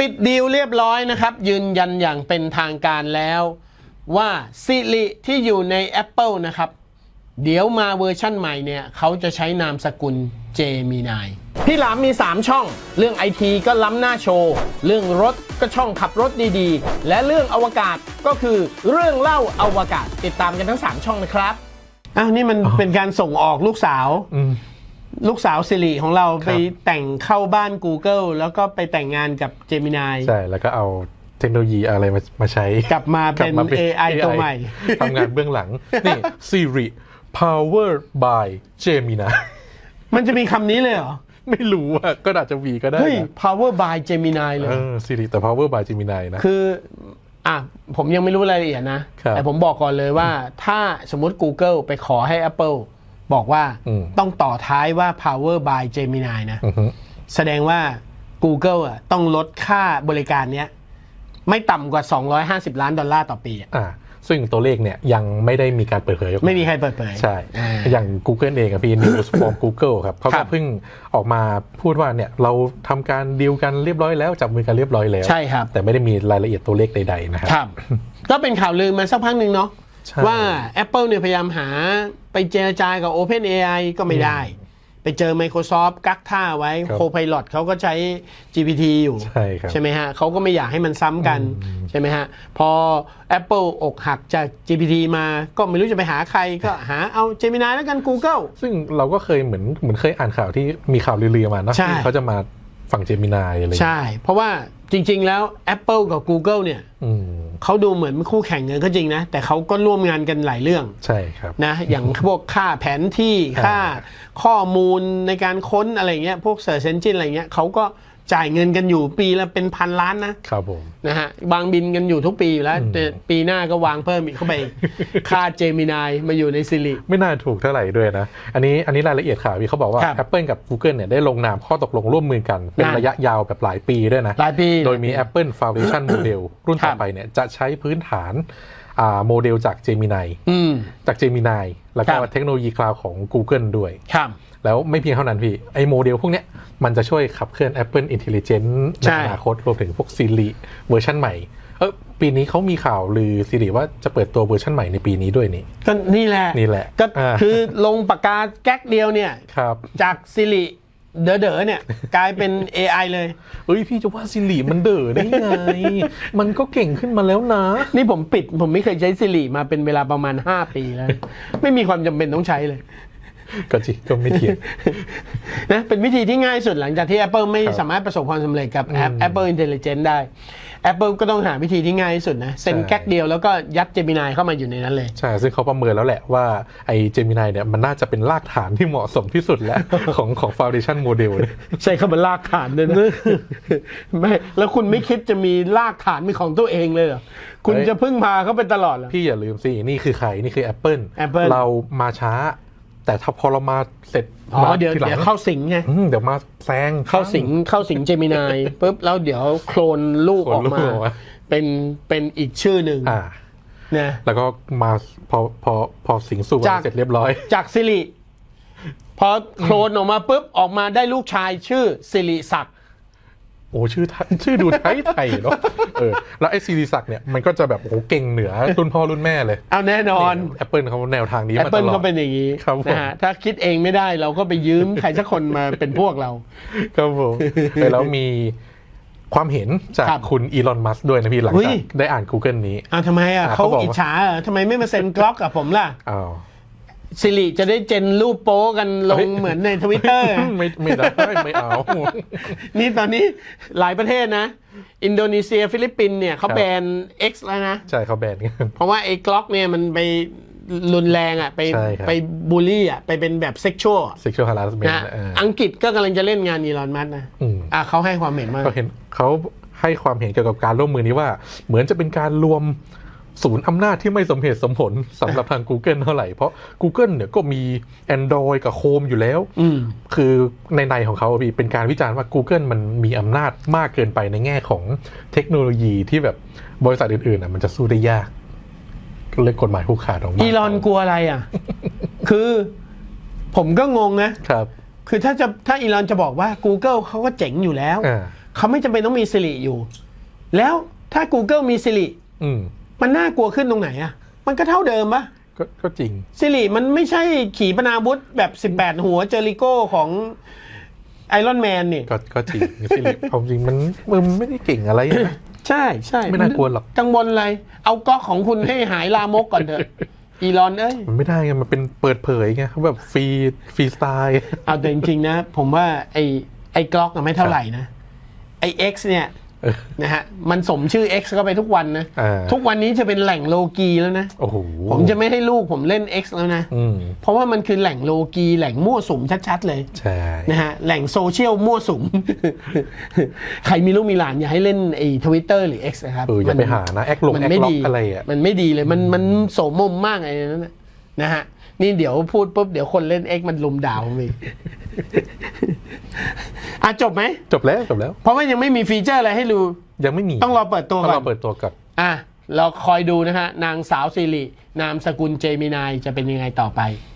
ปิดดีลเรียบร้อยนะครับยืนยันอย่างเป็นทางการแล้วว่า Siri ที่อยู่ใน Apple นะครับเดี๋ยวมาเวอร์ชั่นใหม่เนี่ยเขาจะใช้นามสกุล Gemini พี่หลามมี3ช่องเรื่อง IT ก็ล้ำหน้าโชว์เรื่องรถก็ช่องขับรถดีๆและเรื่องอวกาศก็คือเรื่องเล่าอวกาศติดตามกันทั้ง3ช่องนะครับนี่มันเป็นการส่งออกลูกสาวสิริของเราไปแต่งเข้าบ้าน Google แล้วก็ไปแต่งงานกับ Gemini ใช่แล้วก็เอาเทคโนโลยีอะไรมาใช้กลับมาเป็น AI ตัวใหม่ทำงานเบื้องหลังนี่ Siri Powered by Gemini มันจะมีคำนี้เลยเหรอไม่รู้อ่ะก็อาจจะวีก็ได้เฮ้ย Power by Gemini เลย Siri แต่ Power by Gemini นะคือผมยังไม่รู้รายละเอียดนะแต่ผมบอกก่อนเลยว่าถ้าสมมติ Google ไปขอให้ Apple บอกว่าต้องต่อท้ายว่า Power by Gemini นะแสดงว่า Google ต้องลดค่าบริการเนี้ยไม่ต่ำกว่า$250 ล้านต่อปีซึ่งตัวเลขเนี่ยยังไม่ได้มีการเปิดเผยไม่มีใครเปิดเผยใช่อย่าง Google เองพี่ News from Google ครับเขาก็เพิ่งออกมาพูดว่าเนี่ยเราทำการดีลกันเรียบร้อยแล้วจับมือกันเรียบร้อยแล้วใช่ครับแต่ไม่ได้มีรายละเอียดตัวเลขใดๆนะครับก็เป็นข่าวลือมาสักพักหนึ่งเนาะว่า Apple เนี่ยพยายามหาไปเจรจากับ OpenAI ก็ไม่ได้ไปเจอ Microsoft กักท่าไว้ Copilot เขาก็ใช้ GPT อยู่ใช่ไหมฮะเขาก็ไม่อยากให้มันซ้ำกันใช่ไหมฮะพอ Apple อกหักจาก GPT มาก็ไม่รู้จะไปหาใครก็หาเอา Gemini แล้วกัน Google ซึ่งเราก็เคยเหมือนเคยอ่านข่าวที่มีข่าวลือๆมาเนาะที่เขาจะมาฝั่ง Gemini อะไรใช่เพราะว่าจริงๆแล้ว Apple กับ Google เนี่ยเขาดูเหมือนคู่แข่งกันก็จริงนะแต่เขาก็ร่วมงานกันหลายเรื่องใช่ครับนะอย่างพวกค่าแผนที่ค่าข้อมูลในการค้นอะไรเงี้ยพวก Search Engine อะไรเงี้ยเขาก็จ่ายเงินกันอยู่ปีละเป็นพันล้านนะครับผมนะฮะวางบินกันอยู่ทุกปีอยู่แล้วแต่ปีหน้าก็วางเพิ่มอีกเข้าไปค่า Gemini มาอยู่ใน Siri ไม่น่าถูกเท่าไหร่ด้วยนะอันนี้รายละเอียดข่าวเขาบอกว่า Apple กับ Google เนี่ยได้ลงนามข้อตกลงร่วมมือกันเป็นระยะยาวแบบหลายปีด้วยนะหลายปีโดยมี Apple Foundation Model รุ่นต่อไปเนี่ยจะใช้พื้นฐานโมเดลจาก Gemini แล้วก็เทคโนโลยีคลาวด์ของ Google ด้วยแล้วไม่เพียงเท่านั้นพี่ไอโมเดลพวกเนี้ยมันจะช่วยขับเคลื่อน Apple Intelligence ในอนาคตรวมถึงพวก Siri เวอร์ชันใหม่ปีนี้เขามีข่าวลือ Siri ว่าจะเปิดตัวเวอร์ชันใหม่ในปีนี้ด้วยนี่ก็นี่แหละก็คือลงปากกาแก๊กเดียวเนี่ยจาก Siri เด๋อเนี่ยกลายเป็น AI เลยพี่จะว่า Siri มันเด๋อได้ไง มันก็เก่งขึ้นมาแล้วนะนี่ผมไม่เคยใช้ Siri มาเป็นเวลาประมาณ5 ปีแล้วไม่มีความจำเป็นต้องใช้เลยก็จริงก็ไม่เถียงนะเป็นวิธีที่ง่ายสุดหลังจากที่ Apple ไม่สามารถประสบความสำเร็จกับ Apple Intelligence ได้ Apple ก็ต้องหาวิธีที่ง่ายที่สุดนะเซ็นแก๊กเดียวแล้วก็ยัด Gemini เข้ามาอยู่ในนั้นเลยใช่ซึ่งเขาประเมินแล้วแหละว่าไอ้ Gemini เนี่ยมันน่าจะเป็นรากฐานที่เหมาะสมที่สุดแล้วของ Foundation Model ใช่คำว่ารากฐานเลยนะไม่แล้วคุณไม่คิดจะมีรากฐานเป็นของตัวเองเลยเหรอคุณจะพึ่งพาเขาไปตลอดเหรอพี่อย่าลืมสินี่คือใครนี่คือ Apple เรามาช้าแต่ถ้าพอเรามาเสร็จเดี๋ยวเข้าสิงไงเดี๋ยวมาแซงเข้าสิงเจมินายปุ๊บแล้วเดี๋ยวโคลนลูกออกมาเป็นอีกชื่อหนึ่งนะแล้วก็มาพอสิงสู่เสร็จเรียบร้อยจากสิริพอโคลนออกมาปุ๊บออกมาได้ลูกชายชื่อสิริศักดิ์โอ้ชื่อดูไทยเนาะแล้วไอ้สิริศักดิ์เนี่ยมันก็จะแบบโอ้เก่งเหนือรุ่นพ่อรุ่นแม่เลยเอาแน่นอน Apple เขาแนวทางนี้มาตลอด Apple เขาเป็นอย่างนี้นะฮะถ้าคิดเองไม่ได้เราก็ไปยืมใครสักคนมาเป็นพวกเราครับผมแล้วมีความเห็นจากคุณอีลอนมัสก์ด้วยนะพี่หลังจากได้อ่าน Google นี้ทำไมเขาอิจฉาทำไมไม่มาเซ็นกล็อกกับผมล่ะสิริจะได้เจนรูปโป๊กันลงเหมือนใน Twitter ไม่ได้ไม่เอานี่ตอนนี้หลายประเทศนะอินโดนีเซียฟิลิปปินส์เนี่ยเขาแบน X แล้วนะใช่เขาแบนกันเพราะว่าไอ้กล็อกเนี่ยมันไปรุนแรงไปบูลลี่ไปเป็นแบบเซ็กชวลฮาร์สเมนต์อังกฤษก็กำลังจะเล่นงานอีลอนมัสก์นะเขาให้ความเห็นมากเขาให้ความเห็นเกี่ยวกับการร่วมมือนี้ว่าเหมือนจะเป็นการรวมศูนย์อำนาจที่ไม่สมเหตุสมผลสำหรับทาง Google เท่าไหร่เพราะ Google เนี่ยก็มี Android กับ Chrome อยู่แล้วคือในของเขาเป็นการวิจารณ์ว่า Google มันมีอำนาจมากเกินไปในแง่ของเทคโนโลยีที่แบบบริษัทอื่นๆมันจะสู้ได้ยากเลยกฎหมายผูกขาดออกมาอีลอนกลัวอะไรคือผมก็งงนะครับคือถ้าอีลอนจะบอกว่า Google เขาก็เจ๋งอยู่แล้วเขาไม่จำเป็นต้องมี Siri อยู่ แล้วถ้า Google มี Siri มันน่ากลัวขึ้นตรงไหนอ่ะมันก็เท่าเดิมปะก็จริง Siri มันไม่ใช่ขีปนาวุธแบบ18หัวเจอริโก้ของไอรอนแมนนี่ก็จริง Siri เอาจริงมันไม่ได้เก่งอะไรนะใช่ไม่น่ากลัวหรอกกังวลอะไรเอาก๊อกของคุณให้หายลามกก่อนเถอะอีลอนมันไม่ได้ไงมันเป็นเปิดเผยไงเขาแบบฟรีสไตล์เอาแต่จริงๆนะผมว่าไอ้ก๊อกไม่เท่าไหร่นะไอ้ X เนี่ยนะฮะมันสมชื่อ X เข้าไปทุกวันนะทุกวันนี้จะเป็นแหล่งโลกีแล้วนะผมจะไม่ให้ลูกผมเล่น X แล้วนะเพราะว่ามันคือแหล่งโลกีแหล่งมั่วสุมชัดๆเลยใช่นะฮะแหล่งโซเชียลมั่วสุม ใครมีลูกมีหลานอย่าให้เล่นไอ้ Twitter หรือ X นะครับอย่าไปหานะแอคล็อกอะไรอ่ะมันไม่ดีเลยมันโสมมมากไอ้นั่นนะฮะนี่เดี๋ยวพูดปุ๊บเดี๋ยวคนเล่น X มันลุมด่าผมอีกจบไหมจบแล้วเพราะว่ายังไม่มีฟีเจอร์อะไรให้ดูยังไม่มีต้องรอเปิดตัวก่อนเราคอยดูนะฮะนางสาวสิรินามสกุลเจมินายจะเป็นยังไงต่อไป